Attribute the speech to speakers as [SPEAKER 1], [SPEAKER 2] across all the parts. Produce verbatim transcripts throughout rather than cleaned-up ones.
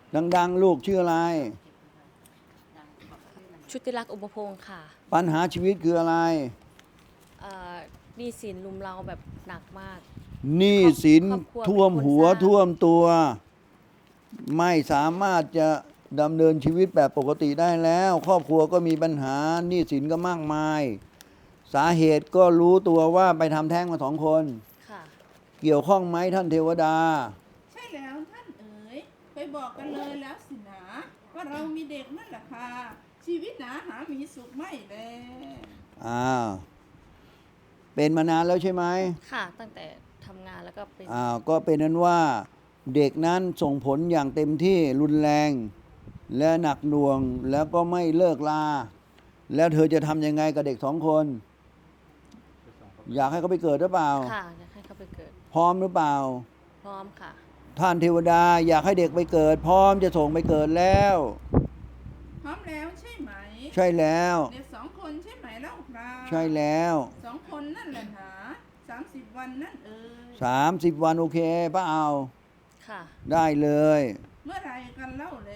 [SPEAKER 1] ดังๆลูกชื่ออะไร
[SPEAKER 2] ชุติลักษณ์อุปพงค์ค่ะ
[SPEAKER 1] ปัญหาชีวิตคืออะไร
[SPEAKER 2] เอ่อหนี้สินลุมเราแบบหนักมาก
[SPEAKER 1] หนี้สิน
[SPEAKER 2] ครอบครัว
[SPEAKER 1] ท่วม
[SPEAKER 2] เป็นคน
[SPEAKER 1] หัว
[SPEAKER 2] สร้าง
[SPEAKER 1] ท่วมตัว ไม่สามารถจะดำเนินชีวิตแบบปกติได้แล้ว ครอบครัวก็มีปัญหาหนี้สินก็มากมาย สาเหตุก็รู้ตัวว่าไปทำแท้งมาสองคน
[SPEAKER 2] ค่ะ
[SPEAKER 1] เกี่ยวข้องไหมท่านเทวดา
[SPEAKER 3] ใช่แล้วท่านเอ๋ยไปบอกกันเลยแล้วสินะว่าเรามีเด็กนั่นแหละค่ะชีวิตหนาหามีสุขไม่แล
[SPEAKER 1] อ้าว เป็นมานานแล้วใช่ไหม
[SPEAKER 2] ค่ะ ตั้งแต่ทำงานแล้วก็เป็น
[SPEAKER 1] อ้าว ก็เป็นนั้นว่าเด็กนั้นส่งผลอย่างเต็มที่รุนแรง และหนักหน่วงแล้วก็ไม่เลิกลา แล้วเธอจะทำยังไงกับเด็กสองคน อยากให้เขาไปเกิดหรือเปล่า
[SPEAKER 2] ค่ะอยากให้เขาไปเกิด
[SPEAKER 1] พร้อมหรือเปล่า
[SPEAKER 2] พร้อมค่ะ
[SPEAKER 1] ท่านเทวดาอยากให้เด็กไปเกิด พร้อมจะส่งไปเกิดแล้ว
[SPEAKER 3] พร้อมแล้วใช่ไหม
[SPEAKER 1] ใช่แล้ว
[SPEAKER 3] เด็กสองคนใช่ไหมเล่าครับ
[SPEAKER 1] ใช่แล้ว
[SPEAKER 3] สองคนนั่นแหละหนาสามสิบวันนั่นเอ๋ย
[SPEAKER 1] สามสิบวันโอเคป้าเอา
[SPEAKER 2] ค่ะ
[SPEAKER 1] ได้เลย
[SPEAKER 3] เมื่อไรกันเล่าแล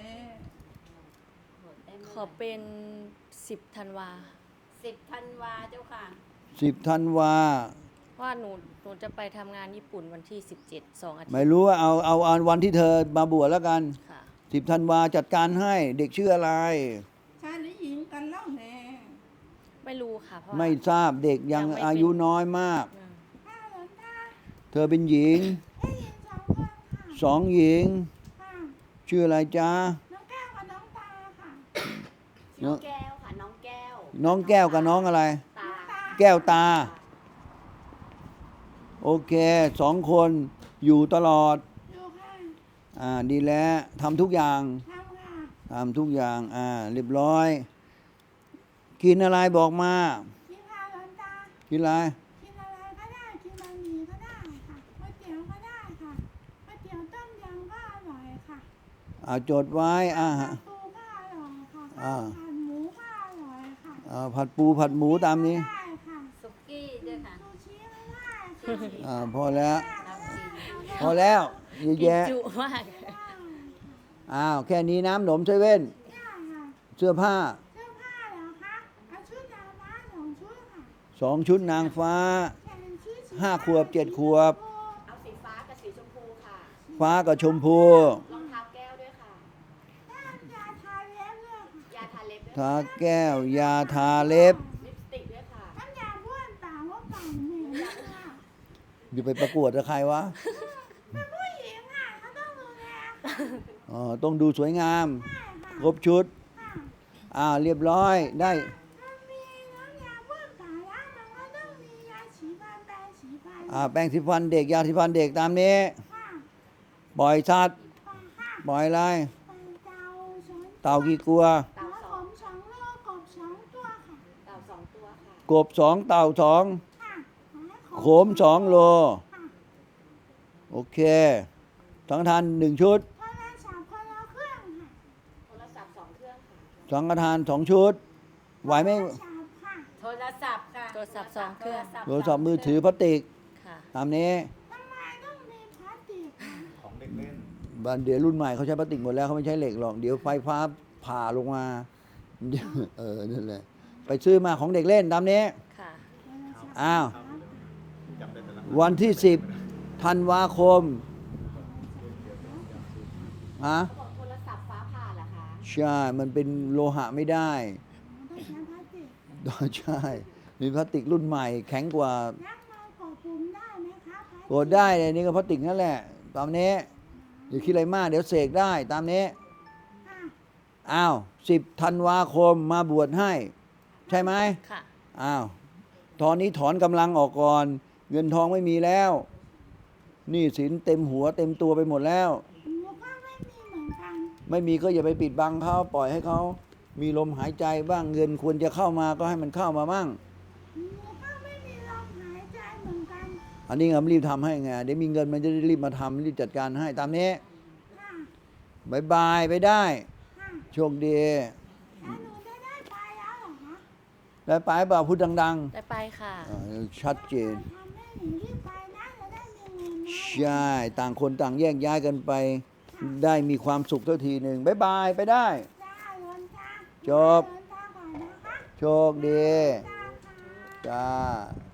[SPEAKER 2] ขอเป็นสิบธันวา
[SPEAKER 4] สิบธันวาเจ้าค่ะ
[SPEAKER 1] สิบธันวา
[SPEAKER 2] ว่าหนูหนูจะไปทำงานญี่ปุ่นวันที่สิบเจ็ดสองอาทิต
[SPEAKER 1] ไม่
[SPEAKER 2] ย์
[SPEAKER 1] รู้ว่าเอาเอาเอาวันที่เธอมาบวชแล้วกัน
[SPEAKER 2] ค่ะ
[SPEAKER 1] สิบธันวาจัดการให้เด็กชื่ออะไร
[SPEAKER 3] ชายหรือหญิงกันเล่าแล
[SPEAKER 2] ไม่รู้ค่ะ เพราะว่า
[SPEAKER 1] ไม่ทราบเด็กยัง
[SPEAKER 2] ยังไม่เป็น
[SPEAKER 1] อายุน้อยมาก
[SPEAKER 2] อืม
[SPEAKER 3] ข้าหลวงตา
[SPEAKER 1] เธอเป็นหญิง
[SPEAKER 3] ได้ยินสองคนค่ะ
[SPEAKER 1] สองหญิง
[SPEAKER 3] ค่ะ
[SPEAKER 1] ชื่ออะไรจ๊ะ
[SPEAKER 3] น้องแก้วกับน้องตาค่ะ
[SPEAKER 4] น้องแก้วค่ะ น้องแก้ว
[SPEAKER 1] น้องแก้วกับน้องอะไร
[SPEAKER 4] ตา
[SPEAKER 1] แก้วตา โอเคสองคนอยู่ตลอด
[SPEAKER 3] อยู่ค่ะ
[SPEAKER 1] อ่าดีแล้วทำทุกอย่าง
[SPEAKER 3] ทำค่ะ
[SPEAKER 1] ทำทุกอย่างอ่าเรียบร้อย กินอะไรบอกมา
[SPEAKER 3] กินข้าวหลวงตา
[SPEAKER 1] กินอะไร
[SPEAKER 3] กินอะไรก็ได้ กินบะหมี่ก็ได้ค่ะก๋วยเตี๋ยวก็ได้ค่ะก๋วยเตี๋ยวต้มยำก็อร่อยค่ะ
[SPEAKER 1] อ่าจดไว้อ่า
[SPEAKER 3] ผัดปูก็อร่อยค่ะ
[SPEAKER 1] อ่า
[SPEAKER 3] ข้าวผัดหมูก็อร่อยค่ะ
[SPEAKER 1] อ่าผัดปูผัดหมูตามนี้
[SPEAKER 3] ได้ค่ะ
[SPEAKER 4] สุกี้ด้วยค่ะ
[SPEAKER 3] ซูชิก็ได้ค่ะ
[SPEAKER 1] อ่าพอแล้ว
[SPEAKER 4] น้ำจีน
[SPEAKER 1] พอแล้วเยอะ
[SPEAKER 2] กิน
[SPEAKER 1] แยะ
[SPEAKER 2] จุมาก
[SPEAKER 1] อ้าวแค่นี้น้ำหนมเซเว่น
[SPEAKER 3] ได้ค่ะ
[SPEAKER 1] เสื้อผ้า
[SPEAKER 3] เสื้อผ้าเหรอคะเอาชุดดาวม้าสองชุดค่ะ
[SPEAKER 1] สองชุดนางฟ้า
[SPEAKER 3] แขนชุดสี
[SPEAKER 1] ห้าขวบเจ็ดขวบ
[SPEAKER 4] เอาสีฟ้ากับสีชมพูค่ะ
[SPEAKER 1] ฟ้ากับชมพู
[SPEAKER 4] รองเท้าแก้วด้วยค่ะ
[SPEAKER 3] น้ำยาทาเล็บด้วยค่ะ
[SPEAKER 4] ยาทาเล็บด้วย
[SPEAKER 1] ทาแก้วยาทาเล็บ
[SPEAKER 4] ลิปสติกด้วยค่ะ
[SPEAKER 3] น้ำยาบ้วนปากว่าปากเหม็นค่ะ
[SPEAKER 1] อยู่ไปประกวดกับใครวะ
[SPEAKER 3] เป็นผู้หญิงอ่ะเขาต้องดูแลค่ะ
[SPEAKER 1] อ๋อต้องดูสวยงาม
[SPEAKER 3] ใช่ค่ะ
[SPEAKER 1] ครบชุด
[SPEAKER 3] ค่ะ
[SPEAKER 1] อ่าเรียบร้อยได้
[SPEAKER 3] ถ้ามีน้ำยาบ้วนปากแล้วมันก็ต้องมียาฉีดฟันแปรงฉีดฟัน
[SPEAKER 1] อ่าแป้งสีฟันเด็กยาสีฟันเด็กตามนี้
[SPEAKER 3] ค่ะ
[SPEAKER 1] ปล่อยสัตว์
[SPEAKER 3] ปากค่ะ
[SPEAKER 1] ปล่อยอะไร
[SPEAKER 3] ปากเต่าสอง
[SPEAKER 1] เต่ากี่กลัว
[SPEAKER 4] เต่า
[SPEAKER 3] หัว
[SPEAKER 4] ส
[SPEAKER 3] ผ
[SPEAKER 4] อง
[SPEAKER 3] มสองโลกบสองตัวค่ะ
[SPEAKER 4] เต่าสองตัวค่ะ
[SPEAKER 1] กบสองเต่าสอง
[SPEAKER 3] ค่ะ
[SPEAKER 1] โขมสองโล
[SPEAKER 3] ค่ะ
[SPEAKER 1] โอเคสังฆทานหนึ่งชุด
[SPEAKER 3] โทรศัพท์คนละเครื่องค่ะ
[SPEAKER 4] โทรศัพท์สองเครื่องค่ะ
[SPEAKER 1] สังฆทานสองชุด ไหวไหม
[SPEAKER 3] โทรศัพท์ค่ะ
[SPEAKER 4] โทรศัพท์ค่ะ
[SPEAKER 2] โทรศัพท์สองเครื่อง
[SPEAKER 1] โทรศัพท์มือถือพลาสติก
[SPEAKER 2] ค่ะ
[SPEAKER 1] ตามนี้
[SPEAKER 3] ทำไมต้องมีพลาสติกค่ะ
[SPEAKER 1] บ้านเดี๋ยวรุ่นใหม่เขาใช้พลาสติกหมดแล้วเขาไม่ใช้เหล็กหรอกเดี๋ยวไฟฟ้าผ่าลงมา เออนั่นแหละไปซื้อมาของเด็กเล่นตามนี้
[SPEAKER 2] ค่ะ
[SPEAKER 1] อ้าว วันที่สิบธันวาคมฮะ
[SPEAKER 4] เขาบอกโทรศัพท์ฟ้าผ่าเหรอคะ
[SPEAKER 1] ใช่ มันเป็นโลหะไม่ได้
[SPEAKER 3] ต้องใช้พลาสติก
[SPEAKER 1] ใช่ มีพลาสติกรุ่นใหม่ แข็งกว่า
[SPEAKER 3] แล้วมันกดปุ่มได้ไหมคะพลาสติ
[SPEAKER 1] กดได้เลยนี่ก็พลาสติกนั่นแหละ ตามนี้อย่าคิดอะไรมากเดี๋ยวเสกได้ตามนี้
[SPEAKER 3] ค่ะ
[SPEAKER 1] อ้าวสิบธันวาคมมาบวชให้ ใช่ไหม
[SPEAKER 2] ค่ะ
[SPEAKER 1] อ้าวตอนนี้ถอนกำลังออกก่อน เงินทองไม่มีแล้วหนี้สินเต็มหัวเต็มตัวไปหมดแล้ว
[SPEAKER 3] หนูก็ไม่มีเหมือนกัน
[SPEAKER 1] ไม่มีก็อย่าไปปิดบังเขาปล่อยให้เขามีลมหายใจบ้างเงินควรจะเข้ามาก็ให้มันเข้ามาบ้าง
[SPEAKER 3] หนูก็ไม่มีลมหายใจเหมือนกัน
[SPEAKER 1] อันนี้งรีบทำให้ไงเดี๋ยวมีเงินมันจะได้รีบมาทำรีบจัดการให้ตามนี้
[SPEAKER 3] ค่ะ
[SPEAKER 1] บายบายไปได้
[SPEAKER 3] ค่ะ
[SPEAKER 1] โชคดี
[SPEAKER 3] แล้วหนูจะได้ไปแล้วเหรอคะ
[SPEAKER 1] ได้ไปเปล่าพูดดัง
[SPEAKER 2] ได้ไปค่ะ
[SPEAKER 1] ๆอ่าชัดเจน
[SPEAKER 3] ทำให้หนูรีบไปนะจะได้มีเงินนะ
[SPEAKER 1] ใช่ต่างคนต่างแยกย้ายกันไปได้มีความสุขสักทีหนึ่งบ๊ายบายไปได้
[SPEAKER 5] ได้หลวงตา
[SPEAKER 1] จบ
[SPEAKER 5] หลวงตาก่อนนะคะ
[SPEAKER 1] โชคดี จ้า